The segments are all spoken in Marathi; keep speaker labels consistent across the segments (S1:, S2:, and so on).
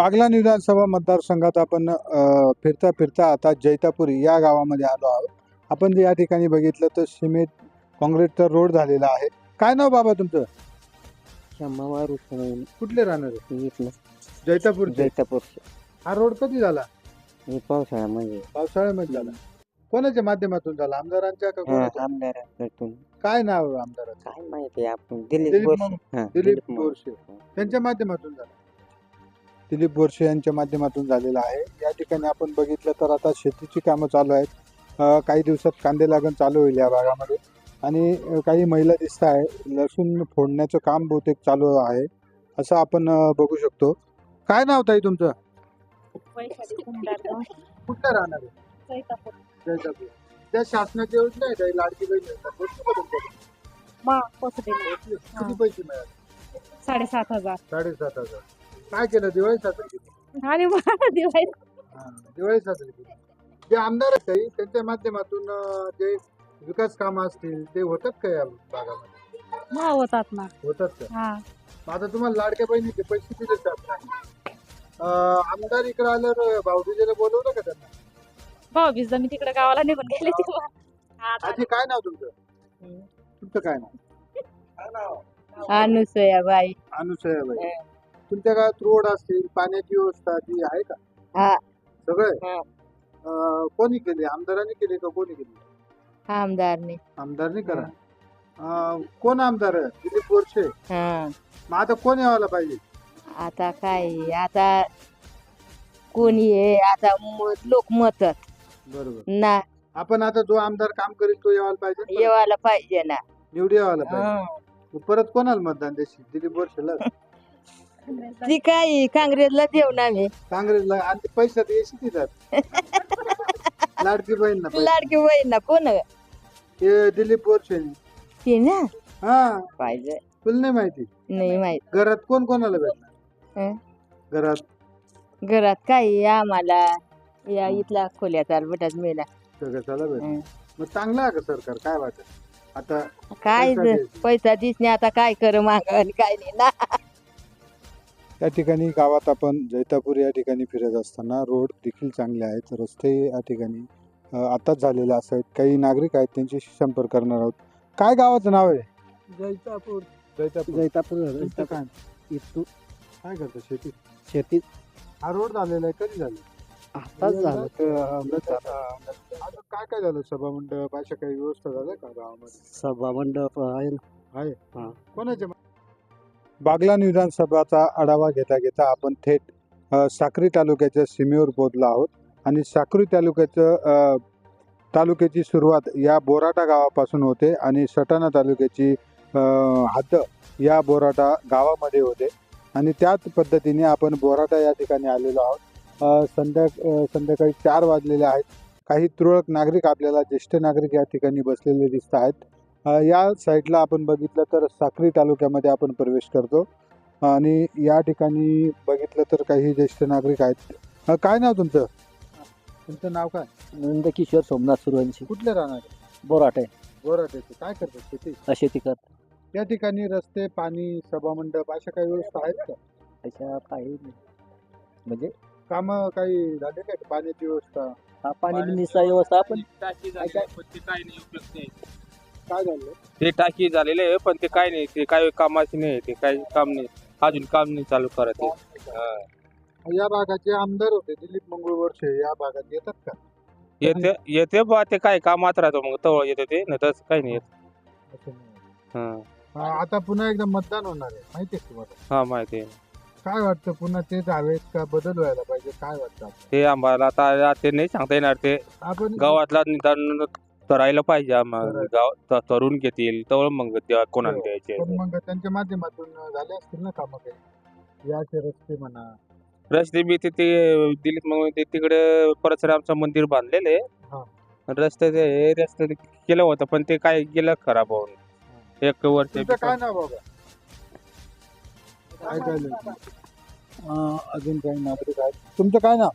S1: बागलाण विधानसभा मतदारसंघात आपण फिरता फिरता आता जैतापुरी या गावामध्ये आलो आहोत. आपण जे या ठिकाणी बघितलं तर सिमेंट काँक्रीटचा रोड झालेला आहे. काय नाव बाबा तुमचं?
S2: शंभा रुसून
S1: कुठले राहणार आहे?
S2: इथलं
S1: जैतापूर.
S2: जैतापूर
S1: हा रोड कधी झाला?
S2: हे पावसाळ्यामध्ये
S1: पावसाळ्यामध्ये झाला. कोणाच्या माध्यमातून झाला? आमदारांच्या का कोणाच्या?
S2: आमदाराकडून
S1: काय नाव आहे आमदाराचं?
S2: काय माहिती आपण दिलीप
S1: दिलीप
S2: बोरसे.
S1: मग-
S2: हा,
S1: दिलीप
S2: मग-
S1: बोरसे त्यांच्या माध्यमातून झाला. दिलीप बोरसे यांच्या माध्यमातून झालेला आहे. या ठिकाणी आपण बघितलं तर आता शेतीची कामं चालू आहेत. काही दिवसात कांदे लागण चालू होईल या भागामध्ये आणि काही महिला दिसत आहे. लसूण फोडण्याचं काम बहुतेक चालू आहे असं आपण बघू शकतो. काय नाव ताई तुमचं? कुठलं राहणार आहे? जैतापूर. त्या शासनाच्या योजना आहे काही लाडकी बहीण योजना, पोहोचली का तुमच्याकडे? किती पैसे मिळाले?
S3: 7,500
S1: 7,500. काय केलं? दिवाळी साजरी केली.
S3: आणि मला दिवाळीत
S1: दिवाळी साजरी केली. जे आमदार आहेत काही त्यांच्या माध्यमातून जे विकास कामं असतील ते होतात का या भागामध्ये?
S3: होतात ना.
S1: होतात का?
S3: हा
S1: मग आता तुम्हाला लाडक्या बहिणीचे पैसे दिले जातात. आमदार इकडे आल्यावर भाऊबीजेला बोलवलं का त्यांना?
S3: भाऊबीजला मी तिकडे गावाला निघून गेले तेव्हा.
S1: आजी काय नाव तुमचं? तुमचं काय नाव?
S3: अनुसयाबाई.
S1: अनुसयाबाई. तुमच्या गावात रोड असतील, पाण्याची व्यवस्था ती आहे का?
S3: हा.
S1: सगळे कोणी केली? आमदारांनी केली का कोणी केली?
S3: आमदारने.
S1: आमदारनी करा. कोण आमदार आहे? दिलीप बोरसे. मग आता कोण यावायला पाहिजे?
S3: आता काय आता कोणी आहे आता लोक मतात
S1: बरोबर.
S3: ना
S1: आपण आता जो आमदार काम करेल तो यावायला पाहिजे.
S3: येवायला पाहिजे ना.
S1: निवडी यावायला पाहिजे. परत कोणाला मतदान देशील? दिलीप बोरसेला?
S3: ती काय काँग्रेसला देऊ ना मी.
S1: काँग्रेसला? आणि पैशात येशी देतात. लाडकी बहीण ना पैसे.
S3: लाडकी बहीण ना कोण
S1: हे दिलीप बोरसे.
S3: ती ना
S1: हा,
S3: पाहिजे.
S1: तुला नाही माहिती?
S3: नाही माहित.
S1: घरात कोण कोणाला भेटणार?
S3: घरात काय आम्हाला या इथला खोल्या चालबटात मिळाला.
S1: सगळ्याला भेटणार. मग चांगलं आहे का सरकार? काय वाटत आता?
S3: काय
S1: पैसा द्यायचा.
S3: पैसा दिसणे आता काय कर माग आणि काय नाही ना.
S1: या ठिकाणी गावात आपण जैतापूर या ठिकाणी फिरत असताना रोड देखील चांगले आहेत. रस्ते या ठिकाणी आताच झालेले असतात. काही नागरिक आहेत त्यांच्याशी संपर्क करणार आहोत. काय गावाचं नाव आहे?
S2: जैतापूर.
S1: जैतापूर.
S2: जैतापूर
S1: तुमचं काय?
S2: इथून
S1: काय करतं? शेती.
S2: शेतीत
S1: हा रोड झालेला आहे. कधी झालं?
S2: आताच झालं.
S1: आता काय काय झालं? सभा मंडप अशा काही व्यवस्था झाल्या का गावामध्ये?
S2: सभा मंडप आहे ना.
S1: आहे.
S2: हा.
S1: कोणाच्या? बागलाण विधानसभाचा आढावा घेता घेता आपण थेट साक्री तालुक्याच्या सीमेवर पोहोचलो आहोत आणि साक्री तालुक्याची सुरुवात या बोराटा गावापासून होते आणि सटाणा तालुक्याची हद्द या बोराटा गावामध्ये होते आणि त्याच पद्धतीने आपण बोराटा या ठिकाणी आलेलो आहोत. संध्याकाळी 4 वाजलेले आहेत. काही तुरळक नागरिक आपल्याला ज्येष्ठ नागरिक या ठिकाणी बसलेले दिसत आहेत. या साईडला आपण बघितलं तर साक्री तालुक्यामध्ये आपण प्रवेश करतो आणि या ठिकाणी बघितलं तर काही ज्येष्ठ नागरिक आहेत. काय नाव तुमचं? तुमचं नाव काय?
S2: नंदकिशोर सोमनाथ सुरवंशी.
S1: कुठले राहणार?
S2: बोराटे.
S1: बोराट्याचे. काय करतात? शेती.
S2: शेती करत.
S1: या ठिकाणी रस्ते, पाणी, सभामंडप अशा काही व्यवस्था आहेत का?
S2: अशा काही नाही. म्हणजे
S1: कामं काही झाले काय? पाण्याची व्यवस्था?
S2: हा पाणी बिनीचा व्यवस्था आपण
S4: टाकी झालेली आहे, पण ते काय नाही उपयोग नाही.
S1: काय झालं?
S4: ते टाकी झालेले आहे पण ते काय नाही, ते काय कामाचे नाही, ते काय काम नाही, अजून काम नाही चालू करत आहे.
S1: या भागाचे आमदार होते दिलीप मंगळ वर्षे. या भागात येतात का?
S4: येते येते बा, ते काय कामात राहतो मग तवळ येते ते, नाही तसं काही नाही येत.
S1: असं नाही.
S4: हा
S1: आता पुन्हा एकदा मतदान होणार आहे माहिती आहे तुम्हाला?
S4: हा माहिती आहे.
S1: काय वाटतं? पुन्हा तेच हवेत का बदल व्हायला पाहिजे? काय वाटतं आपल्याला?
S4: ते आम्हाला आता ते नाही सांगता येणार. ते
S1: आपण
S4: गावातला निदान करायला पाहिजे. आम्हाला गाव तरुण घेतील तवळ मग कोणाला द्यायचे.
S1: पण मग त्यांच्या माध्यमातून झाले असतील ना कामं काही? याचे रस्ते म्हणा.
S4: रस्ते बी ते दिलीत मग ते तिकडे परशुरामचं मंदिर बांधलेले
S1: हा.
S4: रस्ते केलं होतं पण ते काय गेलं खराब होऊन. एक वर्ष.
S1: तुमचं काय नाव बाबा? काय झालं? अजून काही नागरिक आहेत. तुमचं काय नाव?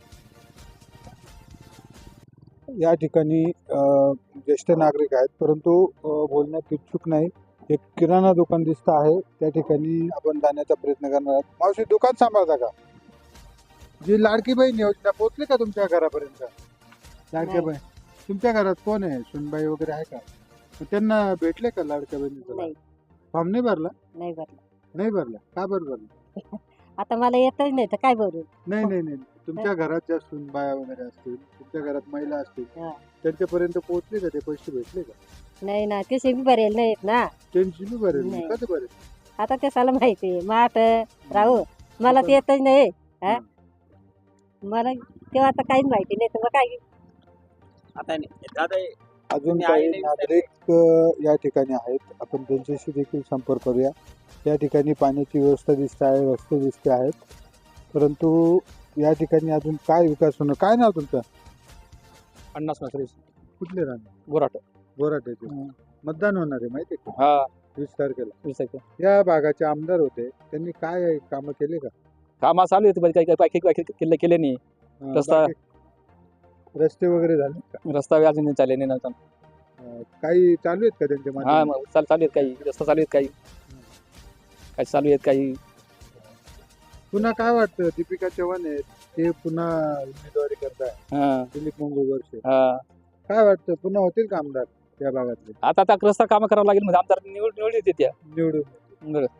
S1: या ठिकाणी ज्येष्ठ नागरिक आहेत परंतु बोलण्यात इच्छुक नाही. एक किराणा दुकान दिसत आहे त्या ठिकाणी आपण जाण्याचा प्रयत्न करणार आहोत. मावशी दुकान सांभाळता का? जी लाडकी बहीण योजना पोहोचली का तुमच्या घरापर्यंत? लाडक्या
S3: नाही.
S1: बहीण तुमच्या घरात कोण आहे? सुनबाई वगैरे आहे का? मग त्यांना भेटले का लाडक्या बहिणीचा
S3: नाही
S1: फॉर्म नाही भरला?
S3: नाही भरलं.
S1: नाही भरला का बरं भरला?
S3: आता मला येतच नाही तर काय भरू?
S1: नाही नाही नाही तुमच्या घरात ज्या सुनबाया वगैरे असतील, तुमच्या घरात महिला असतील,
S3: हा.
S1: त्यांच्यापर्यंत पोहोचले का ते पैसे भेटले का?
S3: नाही ना तसे बी भरेल नाहीत ना.
S1: त्यांची बी भरेल
S3: नाही.
S1: कधी भरेल?
S3: आता ते साला माहिती आहे माठ राहू मला ते येतच नाही. हा? मला तेव्हा आता काहीच माहिती नाही तर मग काय
S4: आता दादा
S1: अजून
S4: तुम्ही
S1: काही
S4: आलेले
S1: नागरिक या ठिकाणी आहेत, आपण त्यांच्याशी देखील संपर्क करूया. या ठिकाणी पाण्याची व्यवस्था दिसते आहे, रस्ते दिसते आहेत, परंतु या ठिकाणी अजून काय विकास होणं? काय नाव तुमचं?
S4: पन्नास नसरे
S1: कुठले राहणार?
S4: बोराट
S1: बोराट्याचे. मतदान होणार आहे माहिती आहे का?
S4: हा
S1: 20 तारखेला.
S4: विचारतो.
S1: या भागाचे आमदार होते, त्यांनी काय कामं केले का?
S4: कामा चालू होते पण काही काही केले नाही. रस्ता-
S1: बाकी रस्ते वगैरे झाले का?
S4: रस्ता अजून नाही चालले नाही ना.
S1: काही चालू आहेत का त्यांच्या
S4: हा
S1: माध्यमातून?
S4: मग चालू आहेत काही रस्ता चालू आहेत काही चालू आहेत काही.
S1: पुन्हा काय वाटतं? दीपिका चव्हाण आहेत, ते पुन्हा उमेदवारी करताय.
S4: हा
S1: दिलीप मंगळ वर्षे
S4: हा
S1: काय वाटतं? पुन्हा होतील का आमदार या भागातले
S4: आता रस्ता कामं करावं लागेल म्हणजे आमदार निवड येते त्या.
S1: निवडून?
S4: बरं.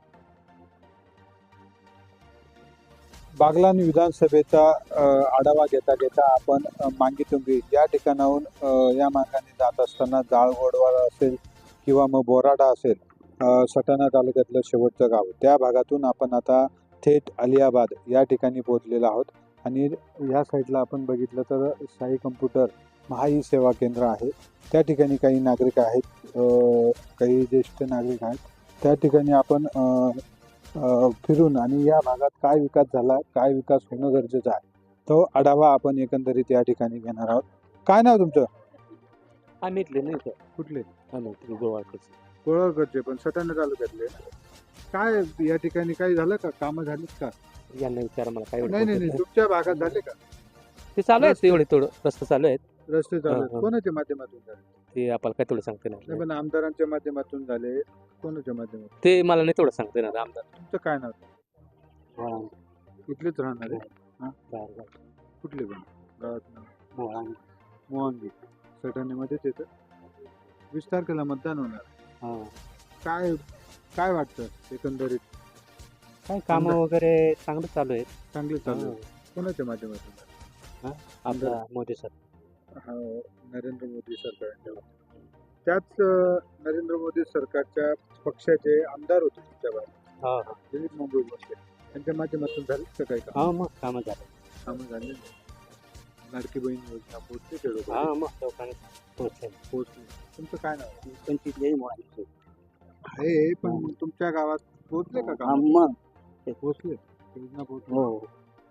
S1: बागलाण विधानसभेचा आढावा घेता घेता आपण मांगीतुंगी या ठिकाणाहून या मार्गाने जात असताना जाळगोडवाडा असेल किंवा मग बोराडा असेल, सटाणा तालुक्यातलं शेवटचं गाव, त्या भागातून आपण आता थेट अलियाबाद या ठिकाणी पोहोचलेलो आहोत. आणि या साईडला आपण बघितलं तर साई कम्प्युटर महाई सेवा केंद्र आहे. त्या ठिकाणी काही नागरिक आहेत, काही ज्येष्ठ नागरिक आहेत. त्या ठिकाणी आपण फिरून आणि या भागात काय विकास झाला, काय विकास होणं गरजेचं आहे, तो आढावा आपण एकंदरीत या ठिकाणी घेणार आहोत. काय नाव तुमचं?
S4: आम्ही इथले नाही सर.
S1: कुठले?
S4: गोवाकडचे.
S1: कोळवकडचे, पण सटाणा तालुक्यातले. काय या ठिकाणी काही झालं का? कामं झालीत का?
S4: यांना विचारा मला काय
S1: नाही नाही नाही तुमच्या भागात झाले का?
S4: ते चालू आहेत एवढे थोडं रस्ते चालू आहेत.
S1: रस्ते चालू आहेत.
S4: हा.
S1: कोणाच्या माध्यमातून झाले?
S4: ते आपल्याला काय थोडं सांगते
S1: नाही
S4: ना
S1: पण आमदारांच्या माध्यमातून झाले, कोणाच्या माध्यमातून?
S4: ते मला नाही थोडं सांगते ना आमदार.
S1: तुमचं काय नाव? इथलेच राहणार आहे? कुठले पण गावात नाव? मोहनगी सटाण्यामध्येच येतं. 20 तारखेला मतदान होणार. काय काय वाटतं एकंदरीत?
S4: काय कामं वगैरे चांगलं चालू आहेत.
S1: चांगले चालू आहे. कोणाच्या माध्यमातून?
S4: आपला मोदी सर.
S1: हा, नरेंद्र मोदी सरकार. त्याच नरेंद्र मोदी सरकारच्या पक्षाचे आमदार होते तुमच्या भागात, दिलीप मंगळ वर्षे, त्यांच्या माध्यमातून झाले का काही काम?
S4: मग कामं झालं.
S1: कामं झाले. लाडकी बहीण योजना पोहोचली ते लोक?
S4: मग लोकांनी
S1: पोहोचली. तुमचं काय नाव?
S4: पंचित
S1: आहे पण मग तुमच्या गावात पोहोचले का काम?
S4: मग
S1: पोहोचले योजना पोहोचली.
S4: हो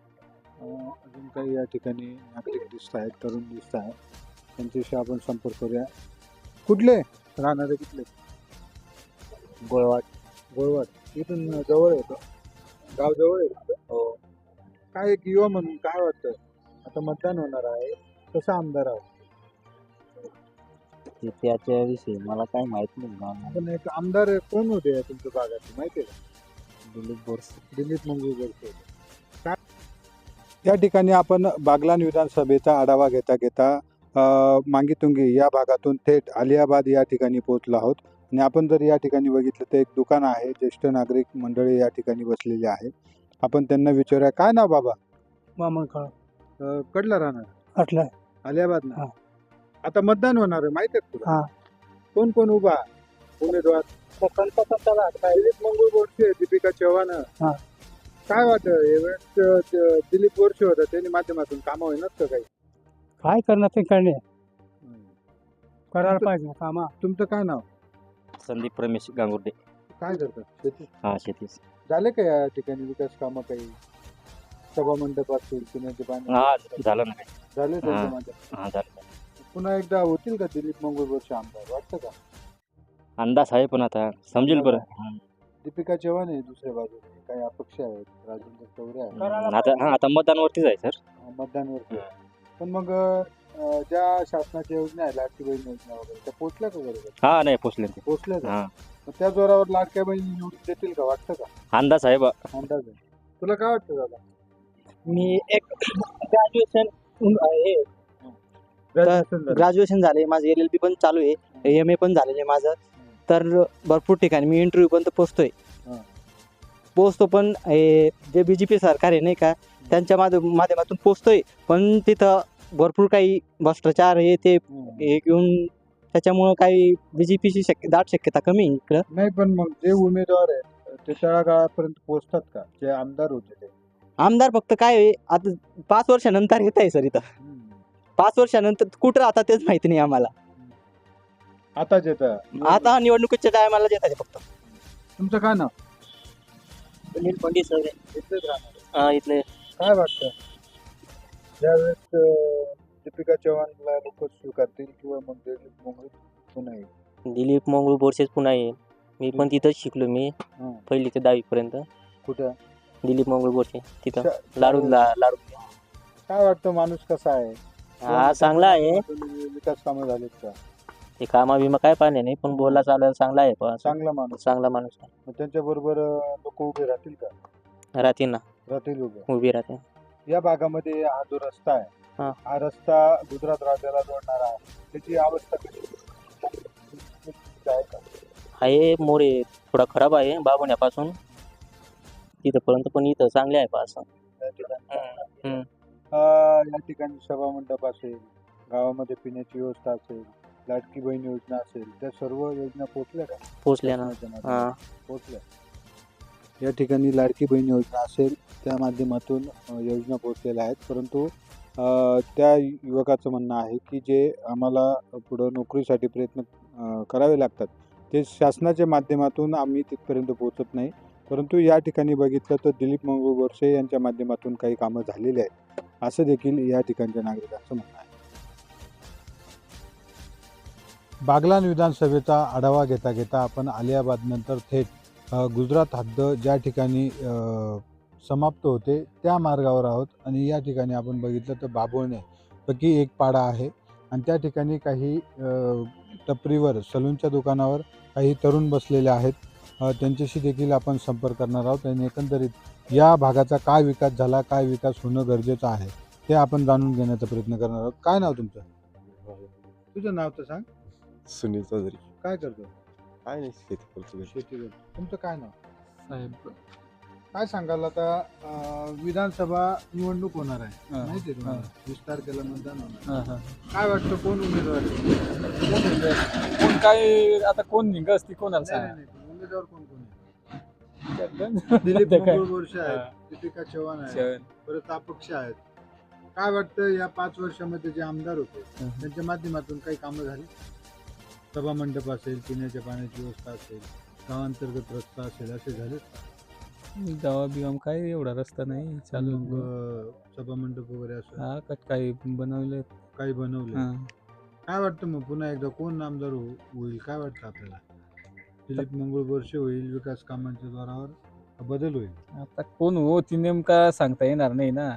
S1: अजून काही या ठिकाणी नागरिक दिसत आहेत, तरुण दिसत आहेत, त्यांच्याशी आपण संपर्क करूया. कुठले राहणारे? कुठले?
S4: गोळवाड.
S1: गोळवाड इथून जवळ येतं, गाव जवळ आहे. हो. काय एक युवा म्हणून काय वाटतं? आता मतदान होणार आहे, कसा आमदार आहे?
S2: त्याच्याविषयी मला काय माहित नाही.
S1: पण एक आमदार कोण होते तुमच्या भागात माहिती आहे का?
S2: दिलीप बोरसे.
S1: दिलीप मंगळ वर्षे. काय या ठिकाणी आपण बागलाण विधानसभेचा आढावा घेता घेता मांगीतुंगी या भागातून थेट अलियाबाद या ठिकाणी पोहोचलो आहोत. आणि आपण जर या ठिकाणी बघितलं तर एक दुकान आहे, ज्येष्ठ नागरिक मंडळी या ठिकाणी बसलेले आहेत. आपण त्यांना विचारूया. काय नाव बाबा? कडला राहणार? अलियाबाद ना. आता मतदान होणार आहे माहिती आहे तुला? कोण कोण उभा उमेदवार? दिलीप मंगळ वर्षे, दीपिका चव्हाण. काय वाटतं यावेळेस दिलीप वर्षे होता, त्यांनी माध्यमातून कामं होईनात का काही?
S2: काय करणार ते करणे करायला पाहिजे कामा.
S1: तुमचं काय नाव?
S5: संदीप रमेश गांगुर्डे.
S1: काय करतात? शेती
S5: शेतीच.
S1: झाले का या ठिकाणी विकास कामं काही? सभा मंडप असतील, पिण्याचे पाणी
S5: झालं ना.
S1: झाले त्यांच्या माध्यमातून?
S5: झालं.
S1: पुन्हा एकदा होतील का दिलीप मंगळ वर्षे आमदार? वाटतं का?
S5: अंदाज आहे पण आता समजेल बरं.
S1: दीपिका चव्हाण आहे दुसऱ्या बाजूने, काही अपक्ष आहेत, राजेंद्र चौरे आहेत.
S5: आता मतदानवरतीच आहे सर.
S1: मतदानवरती. पण मग ज्या शासनाच्या योजना आहे, लाडकी बहीण योजना वगैरे, त्या पोहोचल्या का बरोबर?
S5: नाही पोचले ते.
S1: पोहोचल्या का? मग त्या जोरावर लाडक्या बहिणी निवडून देतील का? वाटतं का?
S5: अंदाज आहे बा.
S1: अंदाज आहे. तुला काय वाटतं दादा?
S6: मी एक ग्रॅज्युएशन ग्रॅज्युएशन झाले माझं LLB पण चालू आहे MA पण झालेलं आहे माझं तर भरपूर ठिकाणी मी इंटरव्ह्यू पण पोचतो पण जे BJP सरकार आहे नाही का त्यांच्या माध्यमातून पोचतोय पण तिथं भरपूर काही भ्रष्टाचार ते घेऊन त्याच्यामुळं काही BJPची दाट शक्यता कमी आहे इकडं.
S1: नाही, पण मग जे उमेदवार आहेत ते तळागाळापर्यंत पोहोचतात का, जे आमदार होते ते?
S6: आमदार फक्त काय आहे, आता 5 वर्षानंतर येत आहे सर इथं 5 वर्षानंतर कुठं आता तेच माहिती नाही आम्हाला.
S1: आताच येतं.
S6: आता निवडणुकीच्या टायमाला येत आहे फक्त.
S1: तुमचं काय नाव?
S6: सुनील पंडित सर
S1: इथलेच राहणार.
S6: इथले
S1: काय वाटतं ज्यावेळेस दीपिका चव्हाणला लोक स्वीकारतील किंवा मग दिलीप मोंगळे पुन्हा येईल?
S2: दिलीप मंगळू बोरसेच पुन्हा येईल. मी पण तिथंच शिकलो मी
S1: हं.
S2: 1ली ते 10वी पर्यंत.
S1: कुठं?
S2: दिलीप मंगळू बोरसे तिथं
S1: श-
S2: लाडू.
S1: काय वाटतं माणूस कसा आहे?
S2: हा चांगला आहे.
S1: विकास कामं झालीत का?
S2: ते कामा बिमा काय पाहिजे नाही पण बोलला चालायला चांगला आहे.
S1: चांगला माणूस.
S2: चांगला माणूस आहे.
S1: मग त्यांच्याबरोबर लोक उभे राहतील का?
S2: राहते ना
S1: राहतील उभे.
S2: उभी राहते.
S1: या भागामध्ये हा जो रस्ता आहे
S2: हा.
S1: हा रस्ता गुजरात राज्याला जोडणारा आहे. त्याची अवस्था कशी आहे का?
S2: आहे मोरे थोडा खराब आहे बाबुण्यापासून तिथपर्यंत पण इथं चांगले आहे असं.
S1: या ठिकाणी
S2: हम्म.
S1: या ठिकाणी सभा मंडप असेल, गावामध्ये पिण्याची व्यवस्था असेल, लाडकी बहीण योजना असेल, त्या सर्व योजना पोहोचल्या का?
S2: पोचल्या ना.
S1: शासनाच्या
S2: हा
S1: माध्यमातून पोहोचल्या. या ठिकाणी लाडकी बहीण योजना असेल त्या माध्यमातून योजना पोहोचलेल्या आहेत, परंतु त्या युवकाचं म्हणणं आहे की जे आम्हाला पुढं नोकरीसाठी प्रयत्न करावे लागतात ते शासनाच्या माध्यमातून आम्ही तिथपर्यंत पोहोचत नाही. परंतु या ठिकाणी बघितलं तर दिलीप मंगळू बोरसे यांच्या माध्यमातून काही कामं झालेली आहेत असं देखील या ठिकाणच्या नागरिकांचं म्हणणं आहे. बागलाण विधानसभेचा आढावा घेता घेता आपण अलियाबादनंतर थेट गुजरात हद्द ज्या ठिकाणी समाप्त होते त्या मार्गावर आहोत आणि या ठिकाणी आपण बघितलं तर बाभोळणे पैकी एक पाडा आहे आणि त्या ठिकाणी काही टपरीवर सलूनच्या दुकानावर काही तरुण बसलेले आहेत. त्यांच्याशी देखील आपण संपर्क करणार आहोत आणि एकंदरीत या भागाचा काय विकास झाला, काय विकास होणं गरजेचं आहे ते आपण जाणून घेण्याचा प्रयत्न करणार आहोत. काय नाव तुमचं? तुझं नाव तर सांग.
S7: सुनील चौधरी.
S1: काय करतो?
S7: काय नाही शेती करतो.
S1: शेती करतो. तुमचं काय नाव?
S6: साहेब
S1: काय सांगाल आता विधानसभा निवडणूक होणार आहे माहिती आहे तुम्हाला? 20 तारखेला मतदान होणार. काय वाटतं कोण उमेदवार आहे?
S8: कोण काय आता कोण निघ असती कोणाला
S1: नाही,
S8: सांगा.
S1: नाही, नाही. उमेदवार कोण आहे? दिलीप मंगळू बोरसे आहेत, दीपिका चव्हाण आहेत, परत अपक्ष आहेत. काय वाटतं या 5 वर्षामध्ये जे आमदार होते त्यांच्या माध्यमातून काही कामं झाली? सभा मंडप असेल, पिण्याच्या पाण्याची व्यवस्था असेल, गावांतर्गत रस्ता असेल, असे झाले?
S8: गावा बिगाम काय एवढा रस्ता नाही चालू.
S1: सभा मंडप वगैरे असं
S8: हा काही बनवले.
S1: काही बनवले? काय वाटतं मग पुन्हा एकदा कोण आमदार होईल? काय वाटतं आपल्याला? दिलीप मंगळू बोरसे होईल, विकास कामांच्या जोरावर बदल होईल?
S8: आता कोण हो ती नेमका सांगता येणार नाही ना.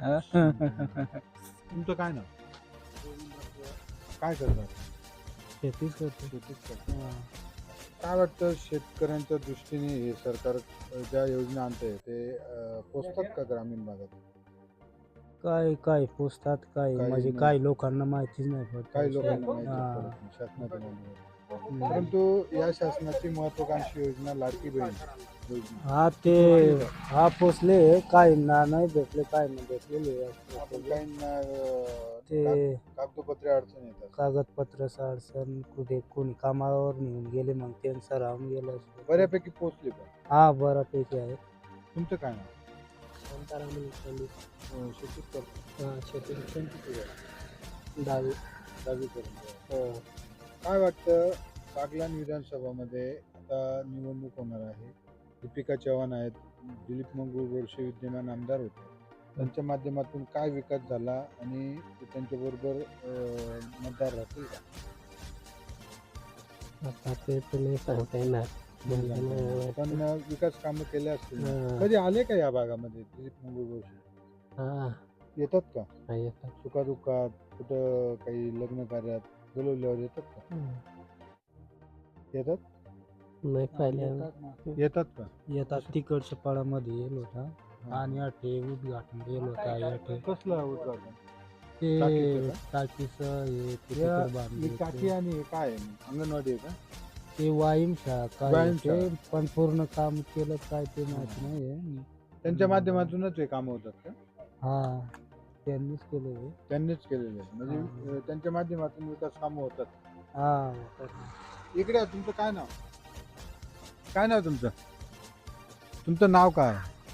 S1: तुमचं काय नाव? काय करतात?
S6: शेतीच करतो.
S1: शेतीच करतात. काय वाटतं शेतकऱ्यांच्या दृष्टीने हे सरकार ज्या योजना आणते ते पोचतात का ग्रामीण भागात?
S6: काय पोचतात काय
S1: काही
S6: म्हणजे
S1: नाही.
S6: काही लोकांना माहितीच नाही पडत.
S1: काही लोकांना माहिती
S6: हा.
S1: पडत नाही शासनाच्या माध्यमातून. परंतु या शासनाची महत्वाकांक्षी योजना लाडकी बहीण योजना
S6: हा पोचले काय ना नाही भेटले काय नाही भेटलेले
S1: आपण काहींना
S6: ते
S1: कागदोपत्री अडचण येतात.
S6: कागदपत्र अडचण कुठे कोणी कामावर निघून गेले मग त्यांचं राहून गेलं.
S1: बऱ्यापैकी पोचले पण.
S6: हा बऱ्यापैकी आहे.
S1: तुमचं काय नाव? शेतीच करतो. दहावीपर्यंत. काय वाटतं बागलाण विधानसभामध्ये आता निवडणूक होणार आहे, दीपिका चव्हाण आहेत, दिलीप मंगळू बोरसे विद्यमान आमदार होते, त्यांच्या माध्यमातून काय विकास झाला आणि ते त्यांच्याबरोबर मतदार राहतील का?
S6: आता ते नाही सांगता येणार.
S1: पण विकास कामं केले असतील. कधी आले का या भागामध्ये दिलीप मंगळू बोरसे? येतात का? सुखादुःखात कुठं काही लग्न कार्यात बोलवल्यावर येतात का? येतात?
S6: नाही पाहिलं
S1: येतात का?
S6: येतात तिकडच्या पाडामध्ये येईल होता.
S8: आणि अटे उद्घाटन केलं होतं अटे
S1: कसलं उद्घाटन?
S8: ते
S1: टाकीचं
S8: टाकीचं हे ते
S1: या-
S8: तिथं बांधलं
S1: ही
S8: होतं.
S1: टाकी आणि हे काय आहे मग? अंगणवाडी आहे का?
S8: ते वाईमशाळा काय
S1: व्यायामशाळा.
S8: ते पण पूर्ण काम केलं काय ते माहिती नाही
S1: त्यांच्या माध्यमातूनच हे काम होतात का?
S8: हा त्यांनीच केलं हे.
S1: त्यांनीच केलेले आहे. म्हणजे त्यांच्या माध्यमातून विकास कामं होतात.
S8: हा
S1: इकडे या, तुमचं काय नाव? काय नाव तुमचं? तुमचं नाव काय?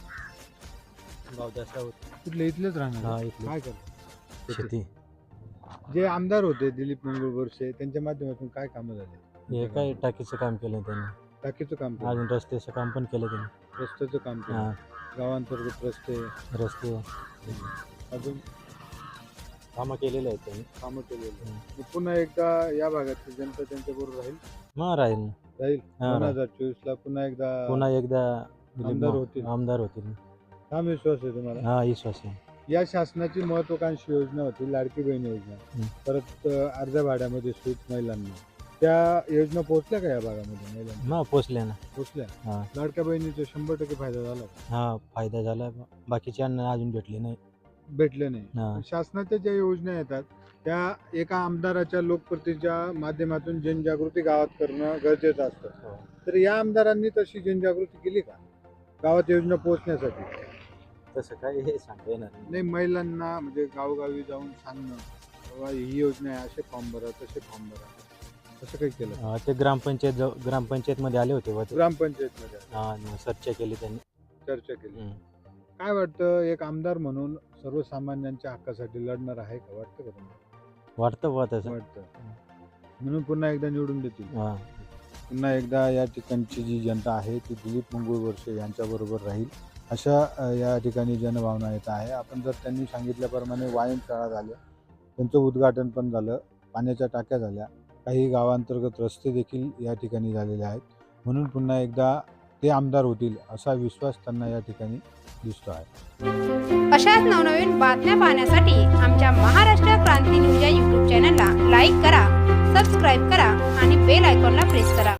S1: कुठले इथलेच राहणार? काय करतो?
S5: शेती
S1: जे आमदार होते दिलीप मंगळ बोरसे त्यांच्या माध्यमातून काय कामं झाले?
S5: हे काय टाकीचं काम केलं त्यांनी,
S1: टाकीचं काम केलं,
S5: अजून रस्त्याचं काम पण केलं त्यांनी.
S1: रस्त्याचं काम केलं,
S5: हा
S1: गावांतर्गत रस्ते,
S5: रस्ते
S1: अजून
S5: कामं केलेले आहेत त्यांनी.
S1: कामं केलेली. मग पुन्हा एकदा या भागातली जनता त्यांच्याबरोबर राहील
S5: मग राहील ना.
S1: राहील
S5: हा,
S1: 2024 ला पुन्हा
S5: पुन्हा एकदा
S1: आमदार होतील.
S5: आमदार होतील.
S1: हा विश्वास आहे तुम्हाला?
S5: हा विश्वास आहे.
S1: या शासनाची महत्वाकांक्षी योजना होती लाडकी बहीण योजना, परत अर्ध्या भाड्यामध्ये सूट महिलांना, त्या योजना पोहोचल्या का या भागामध्ये महिलांना?
S5: मग पोचले ना.
S1: पोहोचल्या.
S5: हा
S1: लाडक्या बहिणीचा 100% फायदा झाला का?
S5: हा फायदा झाला. बाकीच्यांना अजून भेटले नाही.
S1: भेटले नाही.
S5: हा
S1: शासनाच्या ज्या योजना येतात त्या एका आमदाराच्या लोकप्रतिनिधीच्या माध्यमातून जनजागृती गावात करणं गरजेचं असतं. तर या आमदारांनी तशी जनजागृती केली का गावात योजना पोहोचण्यासाठी?
S5: तसं काय हे सांगता येणार नाही.
S1: नाही, महिलांना म्हणजे गावोगावी जाऊन सांगणं बाबा ही योजना आहे, असे फॉर्म भरा, तसे फॉर्म भरा, असं काही केलं?
S5: ते ग्रामपंचायत मध्ये आले होते
S1: ग्रामपंचायतमध्ये
S5: चर्चा केली त्यांनी.
S1: चर्चा केली.
S5: हम्म.
S1: काय वाटतं, एक आमदार म्हणून सर्वसामान्यांच्या हक्कासाठी लढणार आहे का? वाटतं का तुम्हाला?
S5: वाटतं बुवा तसं.
S1: वाटतं. म्हणून पुन्हा एकदा निवडून देतील.
S5: हा
S1: पुन्हा एकदा या ठिकाणची जी जनता आहे ती दिलीप मंगळ बोरसे यांच्याबरोबर राहील अशा या ठिकाणी जनभावना येत आहे. आपण जर त्यांनी सांगितल्याप्रमाणे व्यायामशाळा झाल्या, त्यांचं उद्घाटन पण झालं, पाण्याच्या टाक्या झाल्या, काही गावांतर्गत रस्ते देखील या ठिकाणी झालेले आहेत. म्हणून पुन्हा एकदा ते आमदार होतील असा विश्वास त्यांना या ठिकाणी दिसतो आहे.
S9: अशाच नवनवीन बातम्या पाहण्यासाठी आमच्या महाराष्ट्र क्रांती न्यूज या यूट्यूब चॅनलला लाईक करा, सबस्क्राईब करा आणि बेल आयकॉनला प्रेस करा.